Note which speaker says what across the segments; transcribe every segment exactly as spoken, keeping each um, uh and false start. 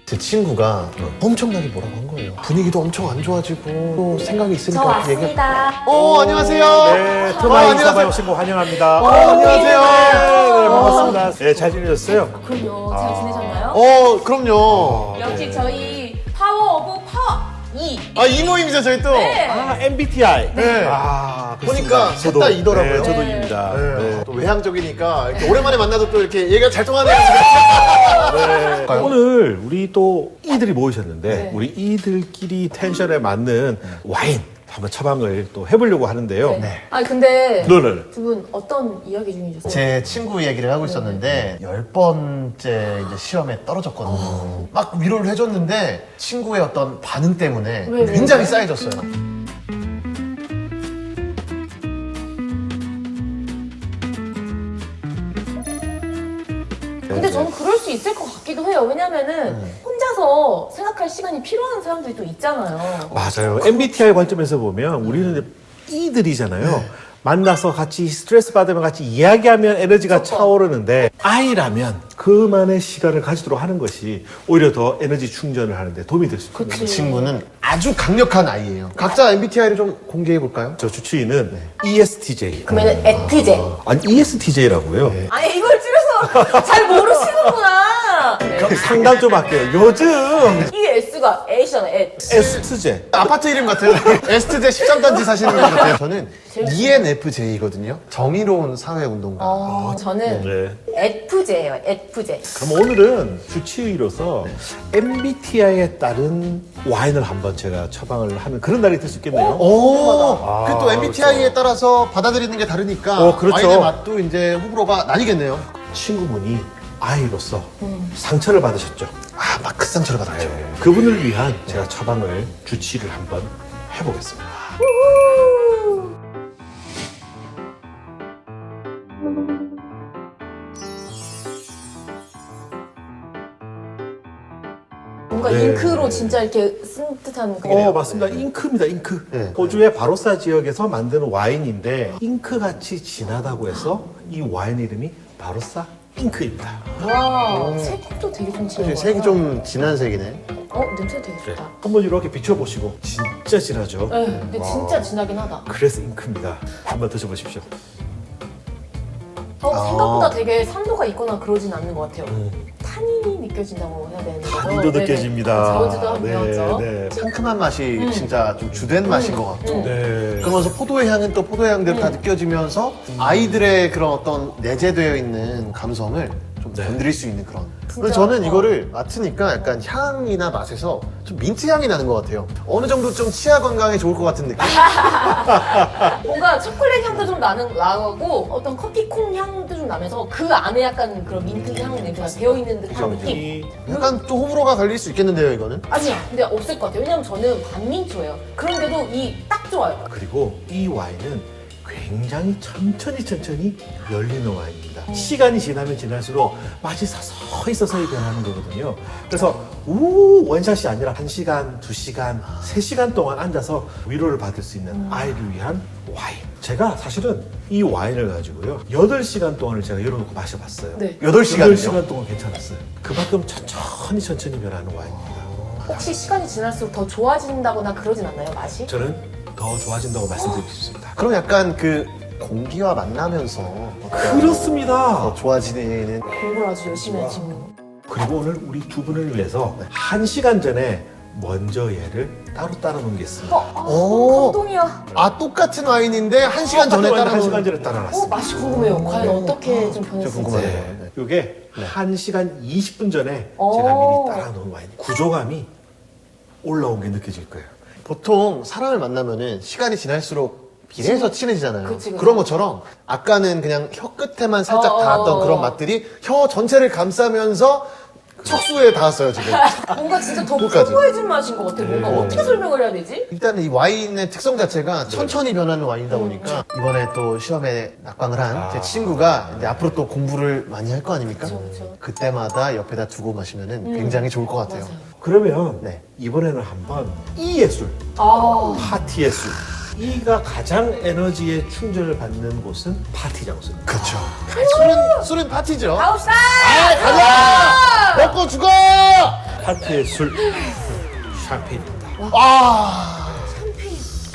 Speaker 1: 제 친구가 엄청나게 뭐라고 한 거예요. 분위기도 엄청 안 좋아지고 또 생각이 있으니까
Speaker 2: 저
Speaker 1: 이렇게 얘기.
Speaker 2: 왔습니다.
Speaker 1: 어 안녕하세요.
Speaker 3: 네,
Speaker 1: 어,
Speaker 3: 트마이
Speaker 1: 안녕하세요.
Speaker 3: 사바이 신고 환영합니다.
Speaker 1: 어, 안녕하세요.
Speaker 3: 네, 네, 반갑습니다. 네, 잘 지내셨어요?
Speaker 2: 그럼요. 잘 지내셨나요?
Speaker 1: 어 그럼요.
Speaker 2: 역시
Speaker 3: 네.
Speaker 2: 저희 파워 오브 파워 이.
Speaker 1: 아 이 모임이죠 저희 또.
Speaker 2: 네.
Speaker 3: 아, 엠비티아이.
Speaker 1: 네.
Speaker 3: 아,
Speaker 1: 보니까 셋 다 이더라고요.
Speaker 3: 네, 저도
Speaker 2: 네.
Speaker 3: 입니다.
Speaker 1: 네.
Speaker 3: 네.
Speaker 1: 또 외향적이니까 이렇게 오랜만에 만나도 또 이렇게 얘기가 잘 통하네요.
Speaker 3: 네. 오늘 우리 또 이들이 모이셨는데
Speaker 2: 네.
Speaker 3: 우리 이들끼리 텐션에 맞는 와인 한번 처방을 또 해보려고 하는데요.
Speaker 2: 네. 아니 근데
Speaker 3: 네네.
Speaker 2: 두 분 어떤 이야기 중이셨어요?
Speaker 1: 제 친구 얘기를 하고 있었는데 열 번째 이제 시험에 떨어졌거든요. 막 위로를 해줬는데 친구의 어떤 반응 때문에
Speaker 2: 왜, 왜,
Speaker 1: 굉장히
Speaker 2: 왜?
Speaker 1: 쌓여졌어요.
Speaker 2: 근데 저는 그럴 수 있을 것 같기도 해요. 왜냐면은 혼자서 생각할 시간이 필요한 사람들이 또 있잖아요.
Speaker 3: 맞아요. 엠비티아이 관점에서 보면 우리는 이제 이들이잖아요. 만나서 같이 스트레스 받으면 같이 이야기하면 에너지가
Speaker 2: 그쵸.
Speaker 3: 차오르는데 아이라면 그만의 시간을 가지도록 하는 것이 오히려 더 에너지 충전을 하는데 도움이 될 수 있습니다.
Speaker 1: 그 친구는 아주 강력한 아이예요. 각자 엠비티아이를 좀 공개해 볼까요?
Speaker 3: 저 주치의는 이에스티제이.
Speaker 2: 그러면은 에트제.
Speaker 3: 아니 이에스티제이라고요.
Speaker 2: 아니 이걸 줄여서 잘 모르시는구나. 네.
Speaker 3: 상담 좀 할게요. 요즘
Speaker 2: 이 S가 A잖아요. 에.
Speaker 3: 에스티제.
Speaker 1: 아파트 이름 같아요. 에스트제 십삼 단지 사시는 분 같아요. 저는 이엔에프제이거든요. 정의로운 사회운동가.
Speaker 2: 어, 저는
Speaker 3: 네.
Speaker 2: 에프제예요. 에프제.
Speaker 3: 그럼 오늘은 주치의로서 엠비티아이에 따른 와인을 한번 제가 처방을 하는 그런 날이 될 수 있겠네요.
Speaker 1: 오,
Speaker 3: 아,
Speaker 1: 그 또 엠비티아이에 따라서 받아들이는 게 다르니까
Speaker 3: 어, 그렇죠.
Speaker 1: 와인의 맛도 이제 호불호가 나뉘겠네요.
Speaker 3: 친구분이 아이로서 상처를 받으셨죠.
Speaker 1: 아, 막 큰 상처를 받았죠.
Speaker 3: 그분을 위한 제가 처방을 주치의를 한번 해보겠습니다.
Speaker 2: 뭔가
Speaker 3: 네.
Speaker 2: 잉크로 진짜 이렇게 쓴 듯한 그게.
Speaker 3: 어, 맞습니다. 잉크입니다, 잉크.
Speaker 1: 네.
Speaker 3: 호주의 바로사 지역에서 만드는 와인인데 잉크같이 진하다고 해서 이 와인 이름이 바로사 잉크입니다.
Speaker 2: 와, 색도 되게 좀 진한 것
Speaker 1: 색이
Speaker 2: 같아요.
Speaker 1: 좀 진한 색이네.
Speaker 2: 어, 냄새 되게 좋다.
Speaker 3: 한번 이렇게 비춰보시고 진짜 진하죠?
Speaker 2: 네, 근데 진짜 진하긴 하다.
Speaker 3: 그래서 잉크입니다. 한번 드셔보십시오.
Speaker 2: 어,
Speaker 1: 아.
Speaker 2: 생각보다 되게 산도가 있거나 그러진 않는 것 같아요. 탄닌이 느껴진다고 해야 되는 거죠?
Speaker 3: 단도
Speaker 2: 네네.
Speaker 3: 느껴집니다.
Speaker 2: 자원주도 한번
Speaker 3: 네,
Speaker 2: 배웠죠.
Speaker 3: 네.
Speaker 1: 상큼한 맛이 진짜 좀 주된 맛인 것 같고.
Speaker 2: 음.
Speaker 3: 네.
Speaker 1: 그러면서 포도의 향은 또 포도의 향대로 다 느껴지면서 아이들의 그런 어떤 내재되어 있는 감성을 좀
Speaker 3: 네.
Speaker 1: 건드릴 수 있는 그런.
Speaker 2: 진짜?
Speaker 1: 근데 저는
Speaker 2: 어.
Speaker 1: 이거를 맡으니까 약간 향이나 맛에서 좀 민트 향이 나는 것 같아요. 어느 정도 좀 치아 건강에 좋을 것 같은 느낌.
Speaker 2: 뭔가 초콜릿 향도 좀 나는 나고 어떤 커피콩 향도 좀 나면서 그 안에 약간 그런 민트 향 냄새가 배어 있는 듯한 느낌.
Speaker 3: 이
Speaker 1: 약간 또 호불호가 갈릴 수 있겠는데요, 이거는?
Speaker 2: 아니야, 근데 없을 것 같아요. 왜냐면 저는 반민초예요. 그런데도 이 딱 좋아요.
Speaker 3: 그리고 이 와인은 굉장히 천천히 천천히 열리는 와인입니다. 시간이 지나면 지날수록 맛이 서서히 서서히 변하는 거거든요. 그래서 우 원샷이 아니라 한 시간, 두 시간, 세 시간 동안 앉아서 위로를 받을 수 있는 아이를 위한 와인. 제가 사실은 이 와인을 가지고요. 여덟 시간 동안을 제가 열어놓고 마셔봤어요.
Speaker 2: 네.
Speaker 1: 여덟 시간이요?
Speaker 3: 여덟 시간 동안 괜찮았어요. 그만큼 천천히 천천히 변하는 와인입니다.
Speaker 2: 혹시 시간이 지날수록 더 좋아진다거나 그러진 않나요, 맛이?
Speaker 3: 저는 더 좋아진다고 말씀드리고 싶습니다.
Speaker 1: 그럼 약간 그 공기와 만나면서 어떤
Speaker 3: 그렇습니다.
Speaker 1: 더 좋아지는
Speaker 2: 공부를 아주 열심히 하시는.
Speaker 3: 그리고 오늘 우리 두 분을 위해서 한 시간 전에 먼저 얘를 따로 따라 놓겠습니다.
Speaker 2: 어, 아,
Speaker 1: 오.
Speaker 2: 너무 감동이야.
Speaker 1: 아 똑같은 와인인데 한 시간 전에 따라
Speaker 3: 한 시간 전에 따라
Speaker 2: 어,
Speaker 3: 놨습니다.
Speaker 2: 맛이 궁금해요. 과연 어떻게 좀
Speaker 1: 저
Speaker 2: 변했을지.
Speaker 1: 궁금하네요.
Speaker 3: 네. 이게 한 시간 이십 분 전에
Speaker 2: 오.
Speaker 3: 제가 미리 따라 놓은 와인. 구조감이 올라온 게 느껴질 거예요.
Speaker 1: 보통 사람을 만나면은 시간이 지날수록 비례해서 친해지잖아요.
Speaker 2: 그치, 그치.
Speaker 1: 그런 것처럼 아까는 그냥 혀 끝에만 살짝
Speaker 2: 어,
Speaker 1: 닿았던
Speaker 2: 어,
Speaker 1: 그런
Speaker 2: 어.
Speaker 1: 맛들이 혀 전체를 감싸면서 척수에 닿았어요 지금.
Speaker 2: 뭔가 진짜 더
Speaker 1: 그거까지.
Speaker 2: 풍부해진 맛인 것 같아. 뭔가
Speaker 3: 네.
Speaker 2: 어떻게 설명을 해야 되지?
Speaker 1: 일단 이 와인의 특성 자체가 천천히 변하는 와인이다 보니까 이번에 또 시험에 낙방을 한 제
Speaker 3: 아.
Speaker 1: 친구가 이제 앞으로 또 공부를 많이 할 거 아닙니까?
Speaker 2: 그쵸, 그쵸.
Speaker 1: 그때마다 옆에다 두고 마시면은 굉장히 좋을 것 같아요.
Speaker 2: 맞아요.
Speaker 3: 그러면
Speaker 1: 네.
Speaker 3: 이번에는 한번 이 예술,
Speaker 2: 아,
Speaker 3: 파티 예술. 이가 가장 에너지에 충전을 받는 곳은 파티 장소입니다.
Speaker 1: 그렇죠. 술은 술은 파티죠.
Speaker 2: 가봅시다!
Speaker 1: 아, 가자! 먹고 죽어!
Speaker 3: 파티의 술 샴페인입니다.
Speaker 1: 아,
Speaker 2: 샴페인.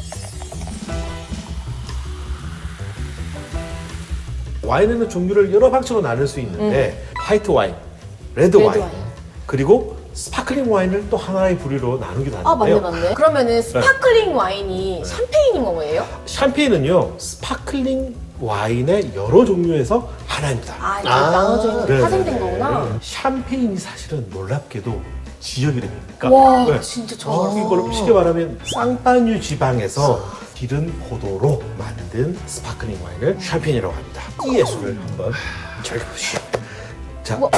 Speaker 3: 와인에는 종류를 여러 방식으로 나눌 수 있는데 화이트 와인, 레드,
Speaker 2: 레드
Speaker 3: 와인,
Speaker 2: 와인.
Speaker 3: 그리고 스파클링 와인을 또 하나의 부류로 나누기도
Speaker 2: 아 맞네
Speaker 3: 하는데요.
Speaker 2: 맞네. 그러면은 스파클링 와인이 샴페인인 거예요?
Speaker 3: 샴페인은요 스파클링 와인의 여러 종류에서 하나입니다.
Speaker 2: 아 이게
Speaker 1: 아,
Speaker 2: 나눠져 있는
Speaker 3: 네,
Speaker 2: 파생된
Speaker 3: 네,
Speaker 2: 거구나.
Speaker 3: 네. 샴페인이 사실은 놀랍게도 지역 이름입니까?
Speaker 2: 와
Speaker 3: 네.
Speaker 2: 진짜 처음.
Speaker 3: 이걸 쉽게 말하면 쌍파뉴 지방에서 기른 포도로 만든 스파클링 와인을 샴페인이라고 합니다. 이 예술을 한번 즐겨보시죠. 자,
Speaker 2: 우와.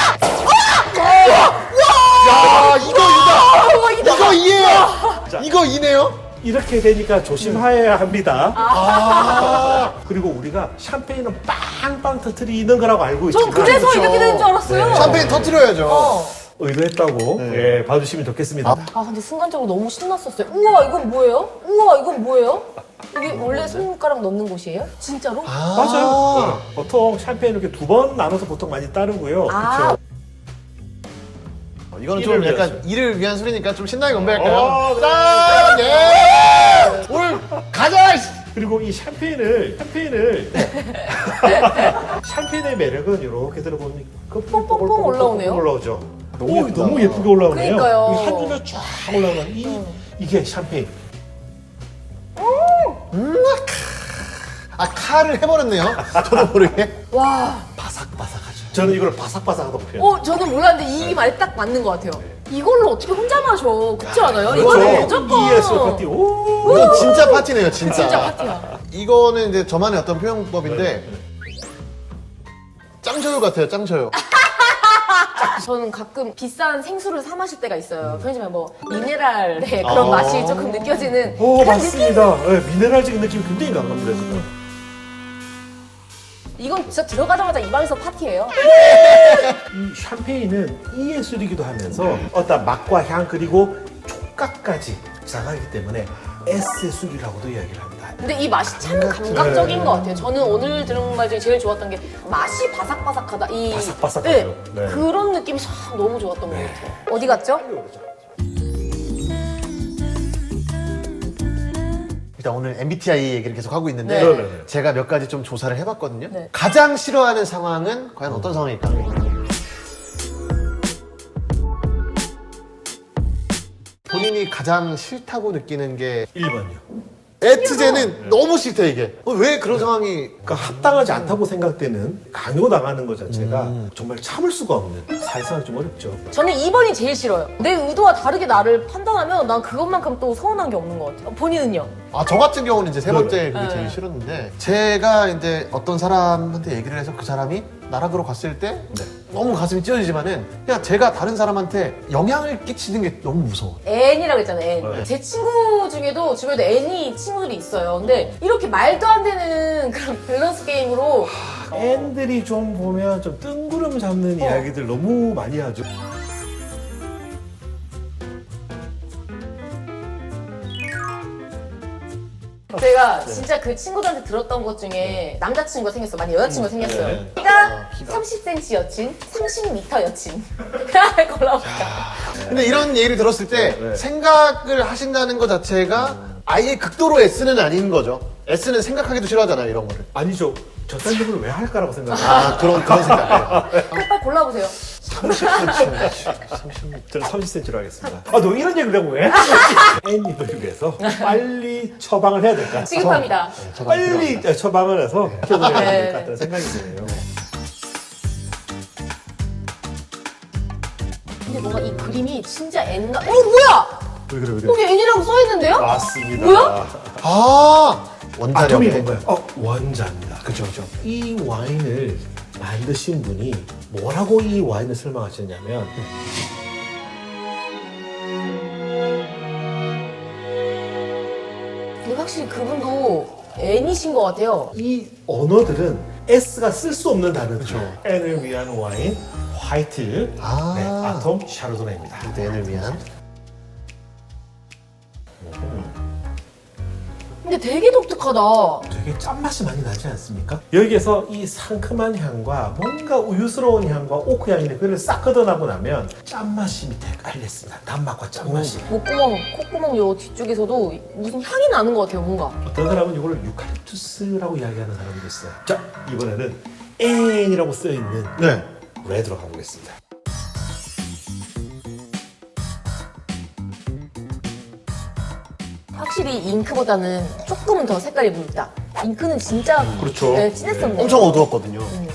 Speaker 1: 야, 이거 이다.
Speaker 2: 와, 이다.
Speaker 1: 이거 이해. 이거 이네요.
Speaker 3: 이렇게 되니까 조심해야 합니다.
Speaker 1: 아,
Speaker 3: 그리고 우리가 샴페인은 빵빵 터트리는 거라고 알고
Speaker 2: 전
Speaker 3: 있지만
Speaker 2: 그래서
Speaker 1: 그렇죠.
Speaker 2: 이렇게 되는 줄 알았어요.
Speaker 3: 네.
Speaker 1: 샴페인 터트려야죠.
Speaker 2: 어.
Speaker 3: 의도했다고
Speaker 1: 네.
Speaker 3: 예, 봐주시면 좋겠습니다.
Speaker 2: 아 근데 순간적으로 너무 신났었어요. 우와 이건 뭐예요? 우와 이건 뭐예요? 이게 원래 손가락 넣는 곳이에요? 진짜로?
Speaker 1: 아,
Speaker 3: 맞아요. 네. 보통 샴페인 이렇게 두 번 나눠서 보통 많이 따르고요.
Speaker 2: 아.
Speaker 3: 그렇죠.
Speaker 1: 어, 이거는 좀
Speaker 3: 이를
Speaker 1: 약간
Speaker 3: 위해서.
Speaker 1: 이를 위한 술이니까 좀 신나게 건배할까요?
Speaker 3: 어, 네.
Speaker 1: 짠! 예! 오늘 가자!
Speaker 3: 그리고 이 샴페인을 샴페인을 샴페인의 매력은 이렇게 들어보면
Speaker 2: 뽕뽕뽕 올라오네요.
Speaker 3: 올라오죠.
Speaker 1: 너무
Speaker 3: 오,
Speaker 1: 예쁘다.
Speaker 3: 너무 예쁘게 올라오네요.
Speaker 2: 그러니까요.
Speaker 3: 이 한 줄로 쫙 올라오는 이 이게 샴페인.
Speaker 1: 아, 칼을 해버렸네요. 저도 모르게.
Speaker 2: 와.
Speaker 1: 바삭바삭하죠.
Speaker 3: 저는 이걸 바삭바삭하다고 표현.
Speaker 2: 어 저는 몰랐는데 이 말이 딱 맞는 것 같아요. 이걸로 어떻게 혼자 마셔? 그렇지 않아요?
Speaker 3: 그렇죠.
Speaker 2: 이거는 무조건.
Speaker 3: 이에스 파티. 오.
Speaker 1: 이건 진짜 파티네요, 진짜.
Speaker 2: 진짜 파티야.
Speaker 1: 이거는 이제 저만의 어떤 표현법인데 짱저요 같아요, 짱저요.
Speaker 2: 저는 가끔 비싼 생수를 사 마실 때가 있어요. 편의점에 뭐 미네랄의 그런 맛이 조금 느껴지는
Speaker 3: 오
Speaker 2: 그런
Speaker 3: 맞습니다. 네, 미네랄적인 느낌이 굉장히 강합니다 지금.
Speaker 2: 느낌. 이건 진짜 들어가자마자 입안에서 파티예요.
Speaker 3: 이 샴페인은 이 예술이기도 하면서 어떤 맛과 향 그리고 촉각까지 자가기 때문에 S의 술이라고도 이야기를 합니다.
Speaker 2: 근데 이 맛이 참 감각적인 것 같아요. 저는 오늘 들은 말 중에 제일 좋았던 게 맛이 바삭바삭하다. 이
Speaker 3: 바삭바삭하죠.
Speaker 2: 네,
Speaker 3: 네.
Speaker 2: 그런 느낌이 참 너무 좋았던 것 같아요. 어디 갔죠?
Speaker 1: 일단 오늘 엠비티아이 얘기를 계속 하고 있는데
Speaker 2: 네.
Speaker 3: 네네네.
Speaker 1: 제가 몇 가지 좀 조사를 해봤거든요.
Speaker 2: 네.
Speaker 1: 가장 싫어하는 상황은 과연 어떤 상황일까? 본인이 가장 싫다고 느끼는 게
Speaker 3: 일 번이요.
Speaker 1: 에트제는 너무 싫다 이게. 어, 왜 그런 상황이?
Speaker 3: 그러니까 합당하지 않다고 생각되는 강요당하는 것 자체가 정말 참을 수가 없는 사회생활 좀 어렵죠.
Speaker 2: 저는 이 번이 제일 싫어요. 내 의도와 다르게 나를 판단하면 난 그것만큼 또 서운한 게 없는 것 같아요. 본인은요?
Speaker 1: 아, 저 같은 경우는 이제 세 번째 그게
Speaker 2: 네.
Speaker 1: 제일 싫었는데 제가 이제 어떤 사람한테 얘기를 해서 그 사람이 나락으로 갔을 때
Speaker 3: 네.
Speaker 1: 너무 가슴이 찢어지지만은 그냥 제가 다른 사람한테 영향을 끼치는 게 너무 무서워.
Speaker 2: N이라고 했잖아요, N.
Speaker 3: 네.
Speaker 2: 제 친구 중에도 주변에 N이 친구들이 있어요. 근데 이렇게 말도 안 되는 그런 밸런스 게임으로
Speaker 3: 앤들이 좀 보면 좀 뜬구름 잡는
Speaker 2: 어.
Speaker 3: 이야기들 너무 많이 하죠.
Speaker 2: 제가 진짜 그 친구들한테 들었던 것 중에 남자친구가 생겼어. 많이 여자친구가 생겼어요.
Speaker 3: 네.
Speaker 2: 키가 삼십 센티미터 여친, 삼십 미터 여친. 골라볼까?
Speaker 1: 근데 이런 얘기를 들었을 때
Speaker 3: 네, 네.
Speaker 1: 생각을 하신다는 것 자체가 아예 극도로 S는 아닌 거죠. S는 생각하기도 싫어하잖아요, 이런 거를.
Speaker 3: 아니죠. 저딴 적을 왜 할까라고 생각해요.
Speaker 1: 아, 그런 그런 생각.
Speaker 2: 빨리 골라보세요.
Speaker 1: 삼십 센티미터. 삼십.
Speaker 3: 저는 삼십 센티미터로 하겠습니다. 아, 너 이런 얘기를 하고 왜? 앤님을 위해서 빨리 처방을 해야 될까?
Speaker 2: 지급합니다.
Speaker 1: 저
Speaker 3: 빨리 처방을 해서 표현을 해야
Speaker 2: 네.
Speaker 3: 될 것 같다는 생각이 드네요.
Speaker 2: 근데 뭔가 이 그림이 진짜 N가. 어, 뭐야?
Speaker 3: 왜 그래, 왜 그래?
Speaker 2: 여기 N이라고 써있는데요?
Speaker 3: 맞습니다.
Speaker 2: 뭐야?
Speaker 1: 아, 원자력.
Speaker 3: 아톰이 뭔가요? 어, 원자입니다.
Speaker 1: 그죠, 그죠.
Speaker 3: 이 와인을 만드신 분이 뭐라고 이 와인을 설명하셨냐면
Speaker 2: 근데 확실히 그분도 N이신 것 같아요.
Speaker 3: 이 언어들은 S가 쓸 수 없는 단어죠. N을 위한 와인, 화이트,
Speaker 1: 아.
Speaker 3: 네, 아톰 샤르도네입니다.
Speaker 1: N을 위한.
Speaker 2: 근데 근데 되게 독특하다.
Speaker 3: 되게 짠맛이 많이 나지 않습니까? 여기에서 이 상큼한 향과 뭔가 우유스러운 향과 오크 향인데 그걸 싹 걷어나고 나면 짠맛이 밑에 깔렸습니다. 단맛과 짠맛이.
Speaker 2: 목구멍, 콧구멍 요 뒤쪽에서도 무슨 향이 나는 것 같아요, 뭔가.
Speaker 3: 어떤 사람은 이걸 유칼립투스라고 이야기하는 사람도 있어요. 자, 이번에는 N이라고 쓰여있는
Speaker 1: 네.
Speaker 3: 레드로 가보겠습니다.
Speaker 2: 확실히 잉크보다는 조금은 더 색깔이 묽다. 잉크는 진짜
Speaker 3: 그렇죠.
Speaker 2: 네, 진했었네.
Speaker 1: 엄청 어두웠거든요.
Speaker 2: 음.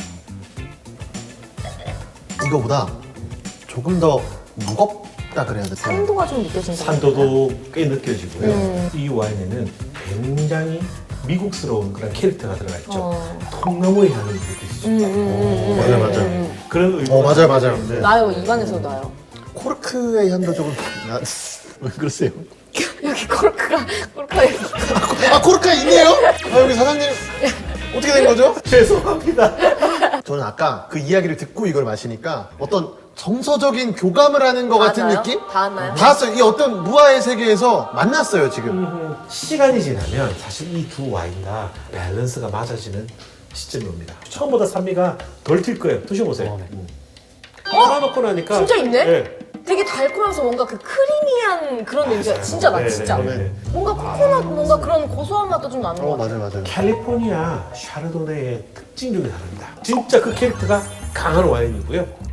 Speaker 1: 이거보다 조금 더 무겁다 그래야 될까요?
Speaker 2: 산도가 좀 느껴진다.
Speaker 3: 산도도 꽤 느껴지고요.
Speaker 2: 음.
Speaker 3: 이 와인에는 굉장히 미국스러운 그런 캐릭터가 들어가 있죠.
Speaker 2: 어.
Speaker 3: 통나무의 향이 느껴지죠.
Speaker 2: 음, 음, 음, 음,
Speaker 1: 맞아요,
Speaker 2: 음,
Speaker 1: 맞아요.
Speaker 2: 음,
Speaker 3: 그런 의미가
Speaker 1: 어, 맞아요, 맞아요.
Speaker 3: 있는데
Speaker 2: 음. 나요, 입안에서 나요.
Speaker 1: 코르크의 향도 조금 나... 왜 그러세요?
Speaker 2: 여기 코르크가, 코르크가 여기.
Speaker 1: 아 코르크가 있네요? 아 여기 사장님 어떻게 된 거죠?
Speaker 3: 죄송합니다.
Speaker 1: 저는 아까 그 이야기를 듣고 이걸 마시니까 어떤 정서적인 교감을 하는 것 같은
Speaker 2: 닿았나요?
Speaker 1: 느낌?
Speaker 2: 닿았나요?
Speaker 1: 닿았어요. 이 어떤 무아의 세계에서 만났어요 지금.
Speaker 3: 시간이 지나면 사실 이 두 와인 다 밸런스가 맞아지는 시점이 옵니다. 처음보다 산미가 덜 튈 거예요. 드셔보세요. 음. 깔아놓고 나니까
Speaker 2: 진짜 있네?
Speaker 3: 네.
Speaker 2: 되게 달콤하면서 뭔가 그 크리미한 그런 냄새가 진짜 나,
Speaker 3: 네,
Speaker 2: 진짜.
Speaker 3: 네, 네.
Speaker 2: 뭔가 코코넛, 뭔가 그런 고소한 맛도 좀 나는 것
Speaker 1: 어
Speaker 2: 같아.
Speaker 1: 맞아요 맞아요.
Speaker 3: 캘리포니아 샤르도네의 특징 중에 하나입니다. 진짜 그 캐릭터가 강한 와인이고요.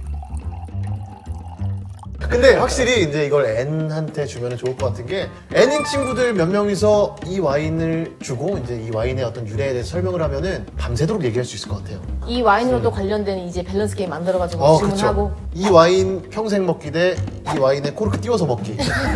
Speaker 1: 근데 확실히 이제 이걸 N한테 주면 좋을 것 같은 게 N인 친구들 몇 명이서 이 와인을 주고 이제 이 와인의 어떤 유래에 대해서 설명을 하면은 밤새도록 얘기할 수 있을 것 같아요.
Speaker 2: 이 와인으로도 관련된 이제 밸런스 게임 만들어가지고
Speaker 1: 어,
Speaker 2: 주문하고.
Speaker 1: 그쵸. 이 와인 평생 먹기 대 이 와인에 코르크 띄워서 먹기.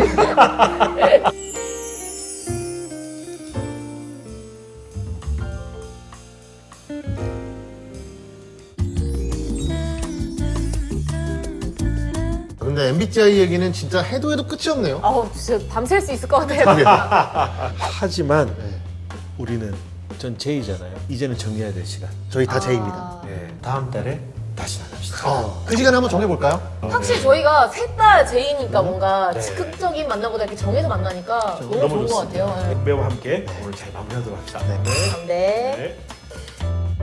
Speaker 1: 근데 엠비티아이 얘기는 진짜 해도 해도 끝이 없네요.
Speaker 2: 아우, 진짜 밤샐 수 있을 것 같아요.
Speaker 3: 하지만
Speaker 1: 네.
Speaker 3: 우리는 전 제이잖아요. 이제는 정리해야 될 시간.
Speaker 1: 저희 다
Speaker 2: 아.
Speaker 1: 제입니다.
Speaker 3: 네, 다음 달에 다시 만납시다.
Speaker 1: 어, 그 시간에 한번 정해볼까요?
Speaker 2: 확실히 저희가 셋 다 제이니까 뭔가
Speaker 3: 네.
Speaker 2: 즉흥적인 만남보다 이렇게 정해서 만나니까 너무, 좋은 것
Speaker 3: 좋습니다.
Speaker 2: 같아요.
Speaker 3: 백배와 함께 오늘 잘 마무리하도록 합시다.
Speaker 1: 네.
Speaker 2: 네.
Speaker 3: 네.